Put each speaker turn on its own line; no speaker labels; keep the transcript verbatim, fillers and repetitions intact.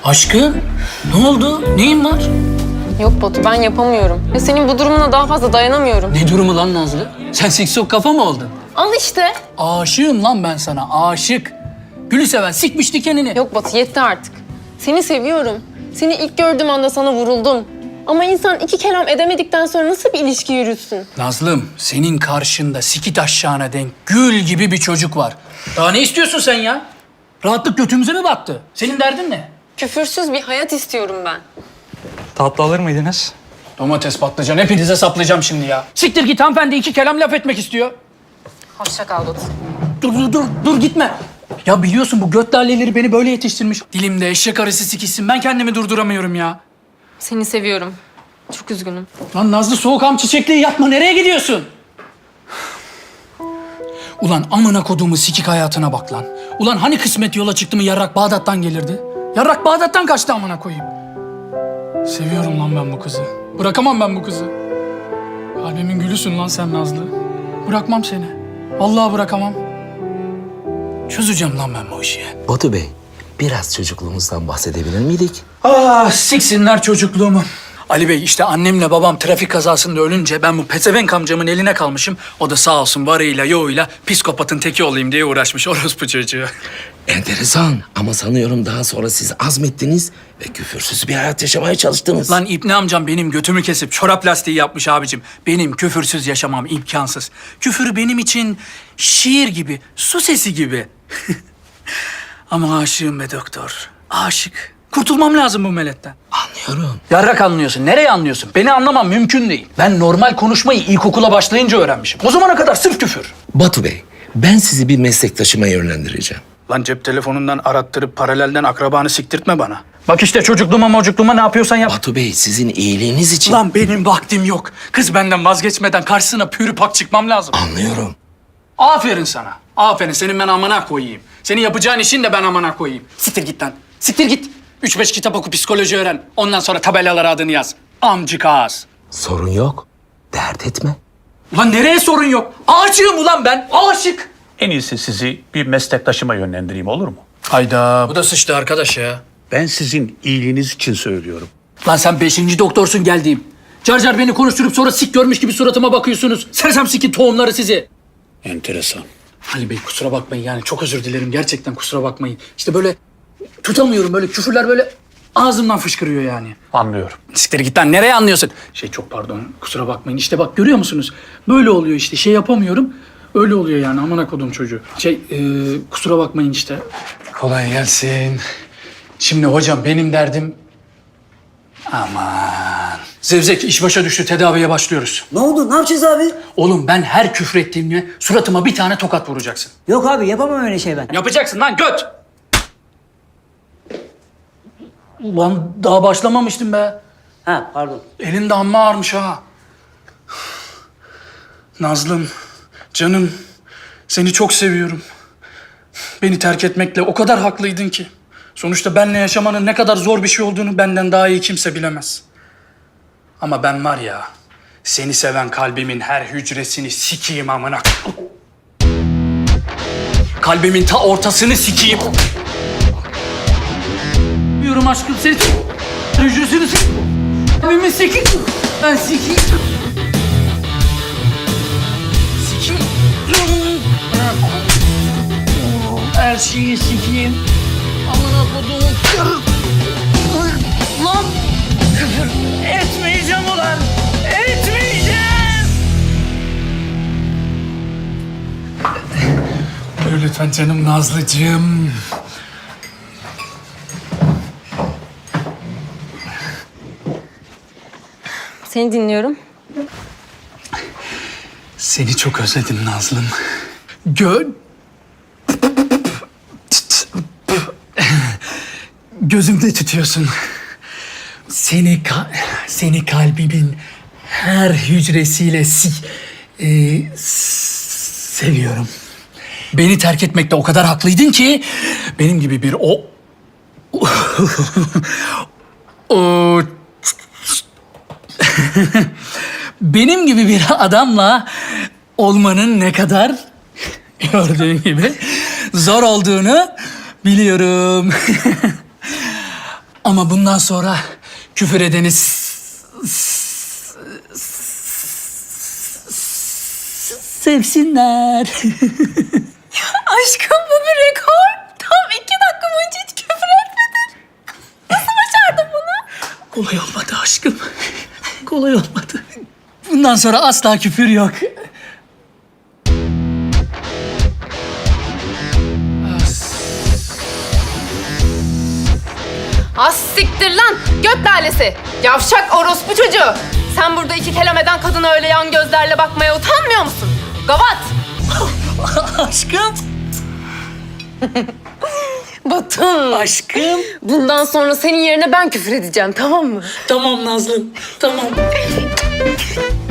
Aşkım, ne oldu? Neyin var?
Yok Batu, ben yapamıyorum. Ya senin bu durumuna daha fazla dayanamıyorum.
Ne durumu lan Nazlı? Sen siksok kafa mı oldun?
Al işte.
Aşığım lan ben sana, aşık. Gülü seven sikmiş dikenini.
Yok Batu, yetti artık. Seni seviyorum. Seni ilk gördüğüm anda sana vuruldum. Ama insan iki kelam edemedikten sonra nasıl bir ilişki yürütsün?
Nazlım, senin karşında sikit aşağına denk gül gibi bir çocuk var. Daha ne istiyorsun sen ya? Rahatlık götümüze mi battı? Senin derdin ne?
Küfürsüz bir hayat istiyorum ben.
Tatlı alır mıydınız?
Domates, patlıcan, hepinize saplayacağım şimdi ya. Siktir git, hanımefendi iki kelam laf etmek istiyor.
Hoşça kal Batu.
Dur, dur, dur, dur gitme. Ya biliyorsun bu göt laleleri beni böyle yetiştirmiş. Dilimde eşek arısı sikişsin, ben kendimi durduramıyorum ya.
Seni seviyorum. Çok üzgünüm.
Lan Nazlı, soğukam çiçekliği yapma, nereye gidiyorsun? Ulan amına koduğumu sikik hayatına bak lan. Ulan hani kısmet yola çıktı mı yarrak Bağdat'tan gelirdi? Yarrak Bağdat'tan kaçtı amına koyayım. Seviyorum lan ben bu kızı. Bırakamam ben bu kızı. Kalbimin gülüsün lan sen Nazlı. Bırakmam seni. Vallahi bırakamam. Çözeceğim lan ben bu işi.
Batu Bey, biraz çocukluğumuzdan bahsedebilir miydik?
Ah, siksinler çocukluğumu. Ali Bey, işte annemle babam trafik kazasında ölünce ben bu pezevenk amcamın eline kalmışım. O da sağ olsun varıyla yoğuyla psikopatın teki olayım diye uğraşmış orospu çocuğu.
Enteresan ama sanıyorum daha sonra siz azmettiniz ve küfürsüz bir hayat yaşamaya çalıştınız.
Lan İbni amcam benim götümü kesip çorap lastiği yapmış abicim. Benim küfürsüz yaşamam imkansız. Küfür benim için şiir gibi, su sesi gibi. Ama aşığım be doktor, aşık. Kurtulmam lazım bu meletten.
Anlıyorum.
Yarrak anlıyorsun. Nereye anlıyorsun? Beni anlamam mümkün değil. Ben normal konuşmayı ilkokula başlayınca öğrenmişim. O zamana kadar sırf küfür.
Batu Bey, ben sizi bir meslektaşıma yönlendireceğim.
Lan cep telefonundan arattırıp paralelden akrabanı siktirtme bana. Bak işte çocukluğuma mocukluğuma ne yapıyorsan yap.
Batu Bey, sizin iyiliğiniz için...
Lan benim vaktim yok. Kız benden vazgeçmeden karşısına pürü pak çıkmam lazım.
Anlıyorum.
Aferin sana. Aferin. Senin ben amana koyayım. Senin yapacağın işin de ben amana koyayım. Siktir git lan. Siktir git. Üç beş kitap oku, psikoloji öğren. Ondan sonra tabelalara adını yaz. Amcık ağız.
Sorun yok. Dert etme.
Ulan nereye sorun yok? Aşığım ulan ben. Aşık.
En iyisi sizi bir meslektaşıma yönlendireyim, olur mu?
Hayda. Bu da sıçtı arkadaş ya.
Ben sizin iyiliğiniz için söylüyorum.
Lan sen beşinci doktorsun geldiğim. Car car beni konuşturup sonra sik görmüş gibi suratıma bakıyorsunuz. Sersem sikin tohumları sizi.
Enteresan.
Ali Bey kusura bakmayın yani çok özür dilerim. Gerçekten kusura bakmayın. İşte böyle tutamıyorum, böyle küfürler böyle ağzımdan fışkırıyor yani.
Anlıyorum.
Siktir git lan, nereye anlıyorsun? Şey çok pardon, kusura bakmayın. İşte bak görüyor musunuz? Böyle oluyor işte, şey yapamıyorum. Öyle oluyor yani, amına kodum çocuğu. Şey e, kusura bakmayın işte. Kolay gelsin. Şimdi hocam benim derdim... Aman. Zevzek iş başa düştü, tedaviye başlıyoruz.
Ne oldu? Ne yapacağız abi?
Oğlum ben her küfür ettiğimde suratıma bir tane tokat vuracaksın.
Yok abi yapamam öyle şey ben.
Yapacaksın lan göt! Ulan daha başlamamıştım be.
Ha pardon.
Elin de amma ağırmış ha. Nazlım, canım, seni çok seviyorum. Beni terk etmekle o kadar haklıydın ki. Sonuçta benle yaşamanın ne kadar zor bir şey olduğunu benden daha iyi kimse bilemez. Ama ben var ya, seni seven kalbimin her hücresini sikeyim amına. Kalbimin ta ortasını sikeyim. Diyorum aşkım seni hücresini sikeyim. Kalbimi sikeyim. Ben sikeyim. Sikeyim. Her şeyi sikeyim. Amına koduğum kır. Lan küfür etmeyeceğim ulan. Etmeyeceğim. Buyur lütfen canım Nazlıcığım.
Seni dinliyorum.
Seni çok özledim Nazlım. Gö... Gözümde tutuyorsun. Seni ka... seni kalbimin her hücresiyle si... e, s- seviyorum. Beni terk etmekte o kadar haklıydın ki benim gibi bir o... o... benim gibi bir adamla olmanın ne kadar gördüğün gibi zor olduğunu biliyorum. Ama bundan sonra küfür edeni s- s- sevsinler.
Aşkım bu bir rekor. Tam iki dakika boyunca hiç küfür etmedin. Nasıl başardın bunu?
Kolay olmadı aşkım. Kolay olmadı. Bundan sonra asla küfür yok.
Az siktir lan göt lalesi. Yavşak orospu çocuğu. Sen burada iki kelam eden kadına öyle yan gözlerle bakmaya utanmıyor musun? Gavat.
Aşkım.
Batın.
Aşkım.
Bundan sonra senin yerine ben küfür edeceğim, tamam mı?
Tamam Nazlım. Tamam.